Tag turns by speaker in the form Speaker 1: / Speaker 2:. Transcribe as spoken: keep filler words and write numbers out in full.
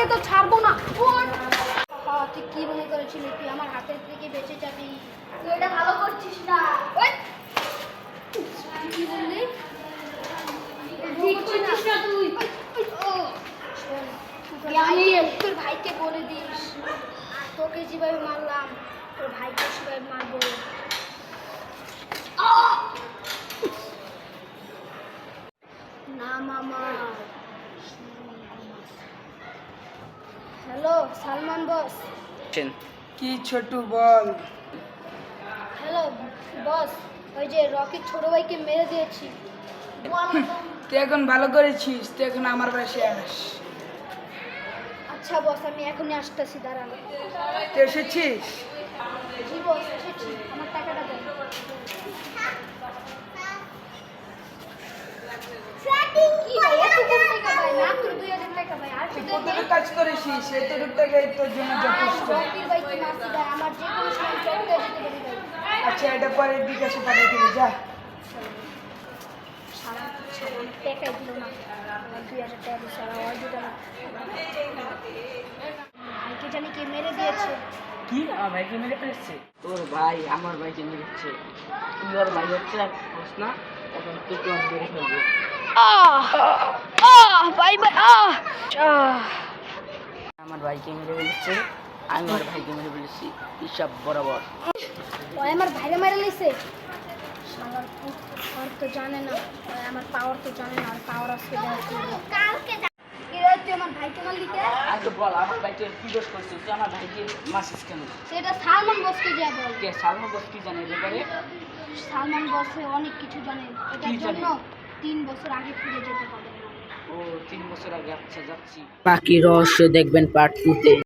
Speaker 1: তো ছাড়বো না। তুই কি মনে করেছিলি তুই আমার হাতের থেকে বেঁচে যাবি? তুই এটা ভালো করছিস না। কি বললি? ঠিক করছিস না তুই। আমি তোর ভাইকে বলে দিস তোকে যেভাবে মারলাম তোর ভাইকে সেভাবে মারবো। না মামা। Hello Salman boss.
Speaker 2: কি ছোটু বল।
Speaker 1: হ্যালো বস, ওই যে রকির ছোট ভাইকে মেরে দিয়েছি।
Speaker 2: তুই এখন ভালো করেছিস, তুই এখন আমার বাসায় আস।
Speaker 1: আচ্ছা বস, আমি এখনই আসতেছি, দাঁড়ান।
Speaker 2: তুই এসেছিস?
Speaker 1: জি বস, এসেছি। আমার টাকাটা দেন। কি ভাই, এত কম টাকা ভাই? মাত্র দুই হাজার টাকা ভাই। আর
Speaker 2: তুই কতটুকু কাজ করেছিস এতটুকু টাকাই তোর জন্য যথেষ্ট।
Speaker 1: রকির ভাইকে মারছি ভাই, আমার যে কোনো সময় চটকে যেতে পারি ভাই।
Speaker 2: আচ্ছা, এটা পরে বিকাশে পাঠিয়ে দিবি, যা।
Speaker 1: সারা সারা টাকাই দিল না, আমার দুই হাজার টাকা দিচ্ছে, আর আমার দিল না। ভাইকে জানি কে মেরে দিয়েছে।
Speaker 2: কি আমার ভাইকে মেরে ফেলেছে?
Speaker 3: তোর ভাই আমার ভাইকে মেরেছে। তুই ওর ভাই হচ্ছে আর বুঝ না, এখন তুই তোমার মেরে ফেলবো।
Speaker 1: আহ আহ ভাই ভাই আহ আহ
Speaker 3: আমার ভাইকে মেরে ফেলেছে, আমি ওর ভাইকে মেরে ফেলেছি, হিসাব বরাবর।
Speaker 1: ওই আমার ভাইরে মেরে লইছে। শালার পুত, ওর তো জানে না, ওই আমার পাওয়ার তো জানে না, আর পাওয়ার আজকে কালকে কি রে, তুই আমার ভাইকে মারলি কে?
Speaker 3: আগে বল, আমার ভাইকে কি দোষ করছিস? তুই আমার ভাইকে মারছিস কেন?
Speaker 1: সেটা সালমান বসকে যা বল।
Speaker 3: কে সালমান বস কি জানে এ ব্যাপারে?
Speaker 1: সালমান বসে অনেক কিছু জানে, এটার
Speaker 3: কি জানে?
Speaker 1: জন্য তিন বছর আগে ফিরে যেতে পারবে না।
Speaker 3: ও তিন বছর আগে। আচ্ছা, যাচ্ছি।
Speaker 4: বাকি রহস্য দেখবেন পার্ট টু তে।